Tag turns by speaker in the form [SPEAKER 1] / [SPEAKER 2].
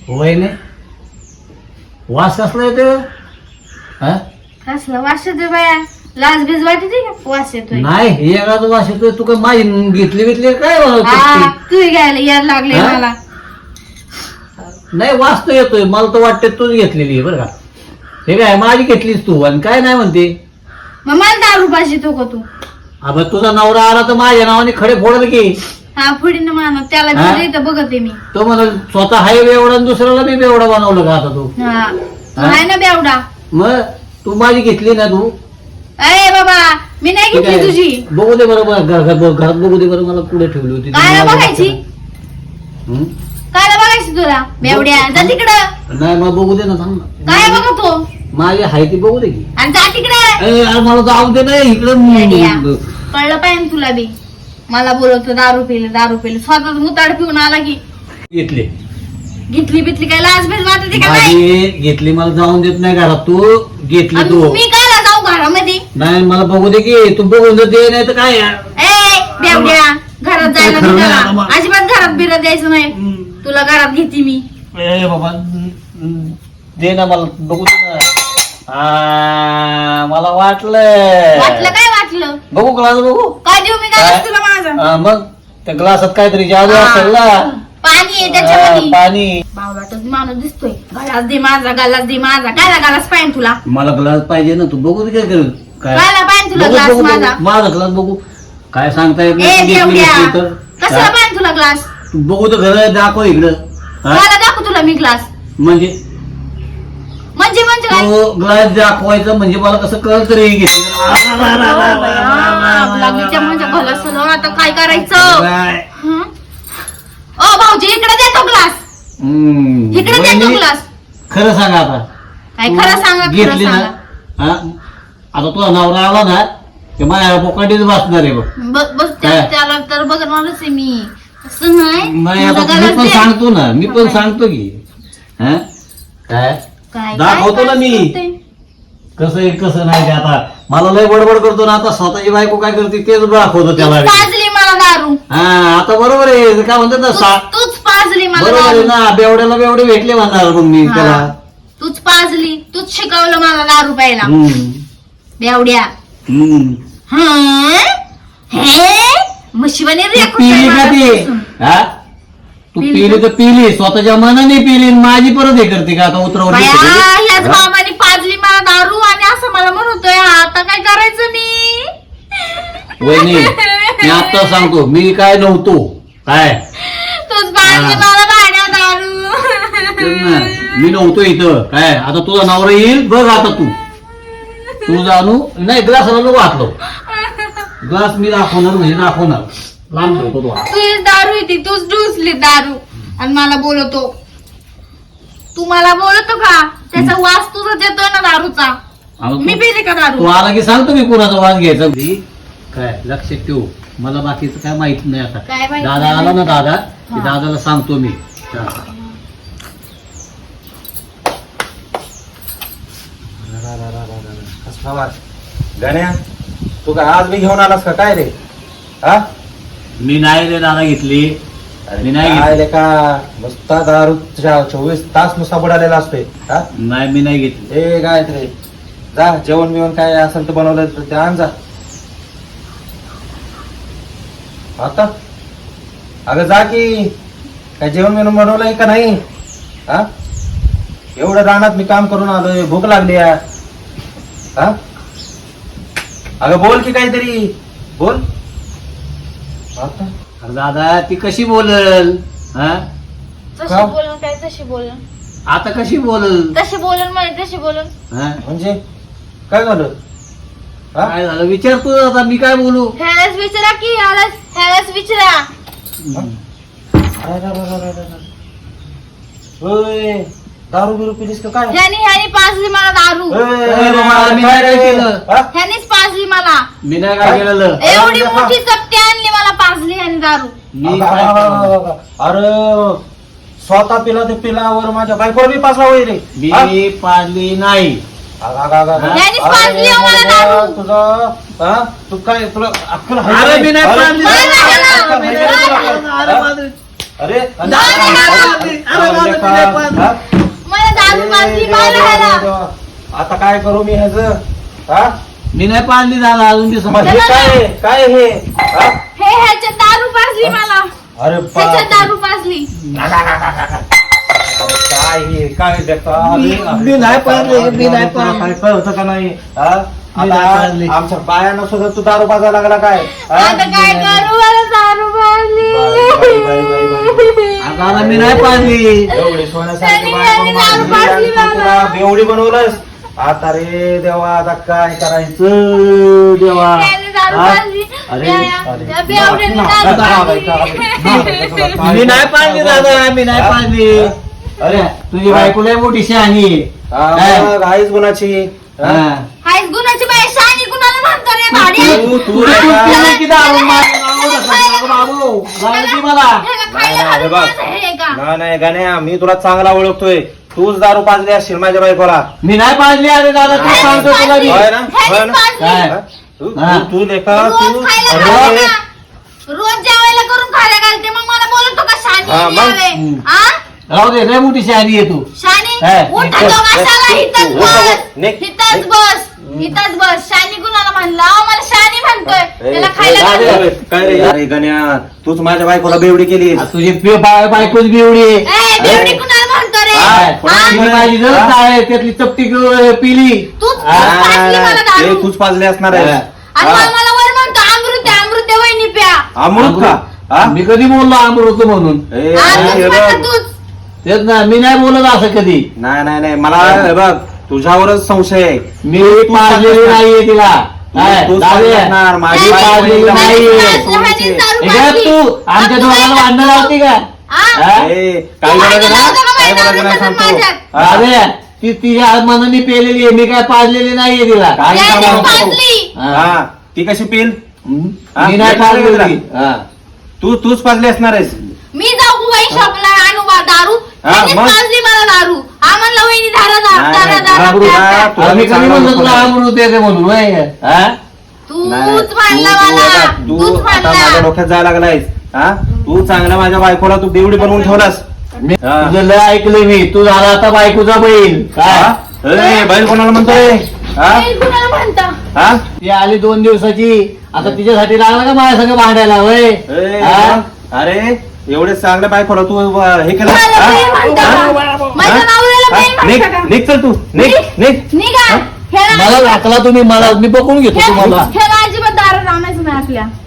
[SPEAKER 1] होय नाही वास कसला येतो हा
[SPEAKER 2] कसला वास येतोय बाया? लाज बीज वाटते का वास येतोय?
[SPEAKER 1] नाही एखादा वास येतोय तू काय माझी घेतली बितली काय
[SPEAKER 2] हा, तू घ्यायला यायला लागले
[SPEAKER 1] हा?
[SPEAKER 2] मला.
[SPEAKER 1] नाही वास तर येतोय मला तर वाटते तूच घेतलेली आहे बरं का. हे काय माझी घेतलीस तू आणि काय नाही म्हणते.
[SPEAKER 2] मग मला दारू पाहिजे तो का तू?
[SPEAKER 1] अबे तुझा नवरा आला तर माझ्या नावाने खडे फोडल की.
[SPEAKER 2] हा पुढे माना त्याला
[SPEAKER 1] हा?
[SPEAKER 2] बी इथं बघते मी.
[SPEAKER 1] तो म्हणा स्वतः हाय बेवडा आणि दुसऱ्याला मी बेवडा बनवलं का आता तू.
[SPEAKER 2] हा तू आहे ना बेवडा.
[SPEAKER 1] मग तू माझी घेतली ना तू.
[SPEAKER 2] अरे बाबा मी नाही
[SPEAKER 1] ठीक
[SPEAKER 2] घेतली
[SPEAKER 1] आहे.
[SPEAKER 2] तुझी.
[SPEAKER 1] बघू दे बरं घरात बघू दे बरं मला पुढे ठेवली होती.
[SPEAKER 2] काय बघायची?
[SPEAKER 1] हं?
[SPEAKER 2] काय बघायची तुला बेवड्या? जा तिकडं.
[SPEAKER 1] नाही मग बघू दे ना थांब ना.
[SPEAKER 2] काय बघतो?
[SPEAKER 1] माझी हाय ती बघू दे की.
[SPEAKER 2] आणि जा तिकडे.
[SPEAKER 1] अरे मला जाऊ दे नाही
[SPEAKER 2] येड्या.
[SPEAKER 1] इकडं.
[SPEAKER 2] कळलं पाहिजे तुला बी. मला बोलवतो दारू पिले स्वतः मुताड पिऊन आला की
[SPEAKER 1] घेतली
[SPEAKER 2] घेतली बितली काय लाज बीज वाटते का नाही?
[SPEAKER 1] माझी घेतली मला जाऊन देत नाही घरात तू घेतली
[SPEAKER 2] आणि
[SPEAKER 1] तू.
[SPEAKER 2] मी काय जाऊ घरामध्ये?
[SPEAKER 1] नाही मला बघू दे की तू बघून तर दे नाही तर काय यार.
[SPEAKER 2] ए बेवड्या घरात जायला
[SPEAKER 1] खरं
[SPEAKER 2] मी
[SPEAKER 1] नाही
[SPEAKER 2] त्याला.
[SPEAKER 1] आता मग.
[SPEAKER 2] अजिबात घरात बिरत द्यायचं नाही. तुला घरात घेते मी.
[SPEAKER 1] ए बाबा दे ना मला बघू दे ना. मला वाटलं
[SPEAKER 2] काय वाटलं?
[SPEAKER 1] बघू ग्लास बघू.
[SPEAKER 2] काय देऊ मी
[SPEAKER 1] काय?
[SPEAKER 2] काय तुला माझं?
[SPEAKER 1] मग त्या ग्लासात काहीतरी जादू
[SPEAKER 2] हा.
[SPEAKER 1] असेल ना.
[SPEAKER 2] पाणी आहे
[SPEAKER 1] हा,
[SPEAKER 2] त्याच्यामध्ये.
[SPEAKER 1] पाणी.
[SPEAKER 2] बावलाटच माणूस दिसतोय. गलास दे माझा काय गलास पाहिजे तुला?
[SPEAKER 1] मला ग्लास पाहिजे ना तू बघू दे काय करेल काय
[SPEAKER 2] कायला पाहिजे तुला
[SPEAKER 1] बघू,
[SPEAKER 2] ग्लास
[SPEAKER 1] बघू,
[SPEAKER 2] माझा?
[SPEAKER 1] बघू. माझा ग्लास बघू काय सांगता येत
[SPEAKER 2] ए
[SPEAKER 1] नाही. तू घेतली
[SPEAKER 2] बेवड्या
[SPEAKER 1] नसली तर.
[SPEAKER 2] कशाला
[SPEAKER 1] हा?
[SPEAKER 2] पाहिजे तुला ग्लास?
[SPEAKER 1] तू बघू तर घर दाखव इकडं. हा?
[SPEAKER 2] मला दाखव तुला मी ग्लास.
[SPEAKER 1] म्हणजे
[SPEAKER 2] म्हणजे काय?
[SPEAKER 1] तो ग्लास दाखवायचं म्हणजे मला कसं कळत तरी
[SPEAKER 2] लागलीच्या माझ्या गलासाला आता काय करायचं? हं? ओ भाऊजी इकडे देतो ग्लास. इकडे देतो ग्लास.
[SPEAKER 1] खरं सांगा आता
[SPEAKER 2] काय
[SPEAKER 1] तू
[SPEAKER 2] खरं सांगा खरं
[SPEAKER 1] घेतली ना
[SPEAKER 2] सांगा.
[SPEAKER 1] हा? आता तुझा नवरा आला ना ते माझ्या पोकाटीच बसणार आहे बघ.
[SPEAKER 2] बस
[SPEAKER 1] काय?
[SPEAKER 2] त्याला तर बघणारच आहे मी. असं नाही
[SPEAKER 1] नाही
[SPEAKER 2] तुझा
[SPEAKER 1] आता मी
[SPEAKER 2] गलास
[SPEAKER 1] पण
[SPEAKER 2] दे.
[SPEAKER 1] सांगतो ना मी पण
[SPEAKER 2] काय?
[SPEAKER 1] सांगतो की हा? काय
[SPEAKER 2] काय
[SPEAKER 1] दाखवतो ना मी.
[SPEAKER 2] करते?
[SPEAKER 1] कसं आहे कसं नाही ते आता मला लय बडबड करतो ना आता स्वतःची बायको काय करते तेच दाखवतो त्याला.
[SPEAKER 2] तूच पाजली मला दारू.
[SPEAKER 1] हा आता बरोबर आहे काय म्हणतात ना
[SPEAKER 2] तूच पाजली मला
[SPEAKER 1] बरोबर आहे
[SPEAKER 2] दारू.
[SPEAKER 1] ना बेवड्याला बेवडे भेटले म्हणणार मग मी
[SPEAKER 2] हा.
[SPEAKER 1] त्याला.
[SPEAKER 2] तूच पाजली तूच शिकवलं मला दारू प्यायला.
[SPEAKER 1] हम्म.
[SPEAKER 2] बेवड्या.
[SPEAKER 1] हम्म.
[SPEAKER 2] हे म्हशीवाने
[SPEAKER 1] तू पिली का ती हा तू पिली तर पिली स्वतःच्या मनाने पिली आणि माझी परत हे करते का आता उतरवली
[SPEAKER 2] ह्याच मामाने पाजली मला दारू आणि असं मला म्हणतोय आता काय करायचं मी?
[SPEAKER 1] वहिनी मी आता सांगतो मी काय नव्हतो काय
[SPEAKER 2] तूच पाजली
[SPEAKER 1] हा.
[SPEAKER 2] मला भाड्या दारू.
[SPEAKER 1] तेच ना, मी नव्हतो इथं काय आता तुझा नवरा येईल बघ आता तू जाणू नाही ग्लासाला नको हातलो ग्लास मी दाखवणार म्हणजे दाखवणार लांब ठेवतो तो हात.
[SPEAKER 2] तूच दारू येते तूच डुसली दारू आणि मला बोलवतो. तू मला बोलतो का? त्याचा वास तुझा देतोय ना दारूचा.
[SPEAKER 1] आता
[SPEAKER 2] मी
[SPEAKER 1] तू-
[SPEAKER 2] पिली का
[SPEAKER 1] तू
[SPEAKER 2] दारू?
[SPEAKER 1] आला की सांगतो मी कुणाचा वास घ्यायचा काय लक्षात ठेवू मला बाकीचं काय माहित नाही आता
[SPEAKER 2] काय माहित
[SPEAKER 1] दादा
[SPEAKER 2] नाही?
[SPEAKER 1] आला ना दादा की
[SPEAKER 2] हा.
[SPEAKER 1] दादाला सांगतो मी हा.
[SPEAKER 3] गण्या तू काय आज मी घेऊन आलास का काय रे? हा
[SPEAKER 1] मी नाही रे दादा घेतली मी नाही
[SPEAKER 3] काय
[SPEAKER 1] घेतली
[SPEAKER 3] रे का नुसता दारू 24 तास नुसता बुडालेला असतोय. हा
[SPEAKER 1] नाही मी नाही घेतली
[SPEAKER 3] ए काय रे जा जेवण बिवण काय असेल तर बनवलं तर ते आण जा. आता अगं जा की काय जेवण बिवण बनवलंय का नाही? हा एवढं रानात मी काम करून आलोय भूक लागली यार. हा अगं बोल की काहीतरी बोल. आता
[SPEAKER 1] अरे दादा ती कशी बोलल हा
[SPEAKER 2] तशी
[SPEAKER 3] का?
[SPEAKER 2] बोलून काय तशी बोलून
[SPEAKER 1] आता कशी बोलल
[SPEAKER 2] तशी बोलून म्हणे तशी बोलून.
[SPEAKER 1] हा?
[SPEAKER 3] म्हणजे काय झालं? हा?
[SPEAKER 1] काय झालं विचारतो आता मी काय बोलू
[SPEAKER 2] ह्यालाच विचारा की ह्यालाच विचारा.
[SPEAKER 3] होय दारू बिरू पिलीस का काय?
[SPEAKER 2] ह्यानी पाजली मला दारू.
[SPEAKER 1] अरे बाबा, मी काय केलं?
[SPEAKER 3] हा?
[SPEAKER 2] ह्यानीच पाजली मला.
[SPEAKER 1] मी नाही काय केलेलं
[SPEAKER 2] एवढी मोठी चपटी आणली मला पाजली ह्यानी दारू.
[SPEAKER 1] मी काय केलं?
[SPEAKER 3] अरे स्वतः पिला ते पिलावर माझ्या बायकोवर बी पासला होईल रे. हा?
[SPEAKER 1] मी पाडली नाही
[SPEAKER 2] यांनीच पाजली हो मला दारू.
[SPEAKER 3] तुझं हा तू काय तुला अक्कल आहे
[SPEAKER 1] अरे
[SPEAKER 3] का
[SPEAKER 1] मी नाही
[SPEAKER 3] अरे,
[SPEAKER 1] पाडली.
[SPEAKER 3] अक्कल आहे का तुला?
[SPEAKER 1] अरे बाजरी.
[SPEAKER 3] अरे
[SPEAKER 1] अरे बाजरी. अरे बाजरी, मी नाही पाडली.
[SPEAKER 3] काय करू मी ह्याच हा
[SPEAKER 1] मी नाही पाळली दादा अजून ती
[SPEAKER 3] मग हे काय काय हे हा?
[SPEAKER 2] हे ह्याच्यात दारू पाजली मला,
[SPEAKER 3] अरे
[SPEAKER 2] ह्याच्यात दारू पाजली.
[SPEAKER 3] अरे काय हे काय देखता
[SPEAKER 1] मी नाही पाळली, मी नाही पाळली.
[SPEAKER 3] काय कळतं का नाही हा?
[SPEAKER 1] मी नाही पाळली.
[SPEAKER 3] आता आमच्या बायांना सुद्धा तू दारू पाजायला लागला काय हा?
[SPEAKER 2] आता काय करू, मला दारू पाजली.
[SPEAKER 1] आता मी नाही पाळली.
[SPEAKER 3] एवढी सोन्यासारखी
[SPEAKER 2] त्यांनी
[SPEAKER 3] बायको
[SPEAKER 2] दारू
[SPEAKER 3] मारली
[SPEAKER 2] पाजली
[SPEAKER 3] आणि तू
[SPEAKER 2] मला.
[SPEAKER 3] तुला बेवडी बनवलंस. आता रे देवा आता काय करायचं देवा
[SPEAKER 2] त्याने दारू
[SPEAKER 3] हा?
[SPEAKER 2] पाजली.
[SPEAKER 3] अरे
[SPEAKER 2] त्या बेवड्याने दारू पाजली.
[SPEAKER 1] मी नाही पाळली दादा, मी नाही पाळली.
[SPEAKER 3] अरे
[SPEAKER 1] तुझी बायको लय मोठी शहाणी आहे. काय?
[SPEAKER 3] मग आहेच गुणाची
[SPEAKER 1] हा.
[SPEAKER 2] हायच गुणाची बाई, शहाणी कुणाला म्हणतो रे भाड्या?
[SPEAKER 3] तू
[SPEAKER 2] हा?
[SPEAKER 3] रे
[SPEAKER 1] किती दारू मारली, बाबू जाऊ दे मला.
[SPEAKER 2] ह्याला खायला
[SPEAKER 3] नाही,
[SPEAKER 2] घालून
[SPEAKER 3] बघ.
[SPEAKER 2] माझं हे का?
[SPEAKER 3] नाही नाही गाण्या मी तुला चांगला ओळखतोय तूच दारू पाजली असशील माझ्या बायकोला
[SPEAKER 1] मी नाही पाळली. अरे दादा तू
[SPEAKER 2] ह्यानेच
[SPEAKER 1] सांगतो तुला मी.
[SPEAKER 3] होय ना?
[SPEAKER 2] ह्यानेच
[SPEAKER 3] होय ना?
[SPEAKER 2] पाजली.
[SPEAKER 1] काय?
[SPEAKER 3] हा? तू-
[SPEAKER 1] हा.
[SPEAKER 3] तू- तू लेखा तू
[SPEAKER 2] रोज खायला
[SPEAKER 3] अरे,
[SPEAKER 2] घालते ना. रोज जेवायला करून खायला घालते, मग मला बोलतो का
[SPEAKER 3] हा,
[SPEAKER 2] शानी
[SPEAKER 3] मग?
[SPEAKER 1] हम्म.
[SPEAKER 2] आ
[SPEAKER 1] राहू दे लय मोठी शहाणी आहे तू.
[SPEAKER 2] शानी
[SPEAKER 1] हा,
[SPEAKER 2] उठ
[SPEAKER 3] निघ,
[SPEAKER 2] तो
[SPEAKER 3] निघ,
[SPEAKER 2] कशाला
[SPEAKER 3] निघ,
[SPEAKER 2] इथंच
[SPEAKER 3] निघ,
[SPEAKER 2] बस
[SPEAKER 3] निघ,
[SPEAKER 2] इथंच
[SPEAKER 3] निघ.
[SPEAKER 2] बस इथंच बस. शानी कुणाला म्हणला? अहो, मला शानी म्हणतोय. त्याला खायला
[SPEAKER 3] अरे,
[SPEAKER 2] घालते.
[SPEAKER 3] काय रे अरे गण्या तूच माझ्या बायकोला बेवडी केली
[SPEAKER 1] आ, तुझी बायकोच बिवडी आहे.
[SPEAKER 2] ए, बेवडी कुणाला म्हणतो रे?
[SPEAKER 3] हा,
[SPEAKER 2] हा?
[SPEAKER 1] तिने माझी जर काय त्यातली चपटी पिली.
[SPEAKER 2] तूच पाजली मला दारू.
[SPEAKER 3] तूच पाजले असणार आहे
[SPEAKER 2] आणि मग मला वर म्हणतो अमृत वहिनी प्या.
[SPEAKER 3] अमृत का हा?
[SPEAKER 1] मी कधी बोललो अमृत म्हणून?
[SPEAKER 3] ए,
[SPEAKER 2] हा,
[SPEAKER 3] हे
[SPEAKER 2] तूच
[SPEAKER 3] बघ.
[SPEAKER 2] म्हणतो तूच.
[SPEAKER 1] तेच ना, मी नाही बोलत असं कधी.
[SPEAKER 3] नाही नाही नाही मला हे बघ तुझ्यावरच संशय आहे
[SPEAKER 1] मी पाळलेली नाहीये तिला. काय?
[SPEAKER 3] तूच
[SPEAKER 1] दादा,
[SPEAKER 3] पाजली असणार, माझी
[SPEAKER 1] मी
[SPEAKER 3] बायको
[SPEAKER 1] पाळलेली
[SPEAKER 3] एकदम
[SPEAKER 1] नाहीये.
[SPEAKER 3] सोडीची आहे.
[SPEAKER 2] दारू
[SPEAKER 1] हे काय
[SPEAKER 2] पाजली.
[SPEAKER 1] तू आमच्या दोघांना भांडण लावती का?
[SPEAKER 2] हा?
[SPEAKER 1] हा?
[SPEAKER 3] ए, काय बोलायचं ना काय बोलायचं नाही सांगतो हा?
[SPEAKER 1] दादा, ती तिच्या मनाने पेलेली आहे, मी काय पाळलेली नाहीये तिला.
[SPEAKER 3] काय
[SPEAKER 2] त्याने
[SPEAKER 3] सांगू नको.
[SPEAKER 2] पाजली.
[SPEAKER 3] हा ती कशी पिल
[SPEAKER 1] हम्म?
[SPEAKER 3] हा?
[SPEAKER 1] मी नाही पाळलेली. हा.
[SPEAKER 3] तूच पाजली असणार आहेस
[SPEAKER 2] मी जाऊ बाई शॉपला आणू बा दारू.
[SPEAKER 3] हा,
[SPEAKER 2] त्यांनीच
[SPEAKER 3] मग?
[SPEAKER 2] पाजली मला दारू. आम्हाला वहिनी धारा
[SPEAKER 3] नाही,
[SPEAKER 2] धारा
[SPEAKER 3] नाही,
[SPEAKER 2] धारा
[SPEAKER 1] अमृत,
[SPEAKER 2] प्या,
[SPEAKER 3] हा,
[SPEAKER 2] प्या.
[SPEAKER 1] आम्ही कधी म्हणलं तुला अमृत येते म्हणून होय? हा?
[SPEAKER 3] नाही,
[SPEAKER 2] तूच मानला
[SPEAKER 3] तू-
[SPEAKER 2] मला.
[SPEAKER 3] तू
[SPEAKER 2] तूच
[SPEAKER 3] आता माझ्या
[SPEAKER 2] मानला.
[SPEAKER 3] डोक्यात जायला लागलायस हा तू चांगला माझ्या बायकोला तू बेवडी बनवून ठेवलास
[SPEAKER 1] मी
[SPEAKER 3] हा.
[SPEAKER 1] तुझं लय ऐकलंय मी. तू झाला आता बायकोचा बैल.
[SPEAKER 3] हा?
[SPEAKER 1] काय?
[SPEAKER 3] ए, बैल कोणाला म्हणतोय हा
[SPEAKER 2] हे कुणाला म्हणता?
[SPEAKER 3] हा
[SPEAKER 1] ती आली 2 दिवसाची. आता तिच्यासाठी लागला का माझ्या संग भांडायला होय?
[SPEAKER 3] ए,
[SPEAKER 1] हा?
[SPEAKER 3] अरे एवढे चांगल्या बायकोला तू हे केलं
[SPEAKER 2] मला
[SPEAKER 3] हा?
[SPEAKER 2] बैल म्हणता
[SPEAKER 3] हा?
[SPEAKER 2] का? माझ्या नवऱ्याला बैल
[SPEAKER 3] हा? निघ
[SPEAKER 2] म्हणता का?
[SPEAKER 3] निघ चल तू निघ निघ
[SPEAKER 2] निघा. ह्याला
[SPEAKER 1] मला राखला तुम्ही. मला मी बघून घेतो तुम्हाला.
[SPEAKER 2] ह्याला अजिबात दारू आणायचं नाही आपल्या.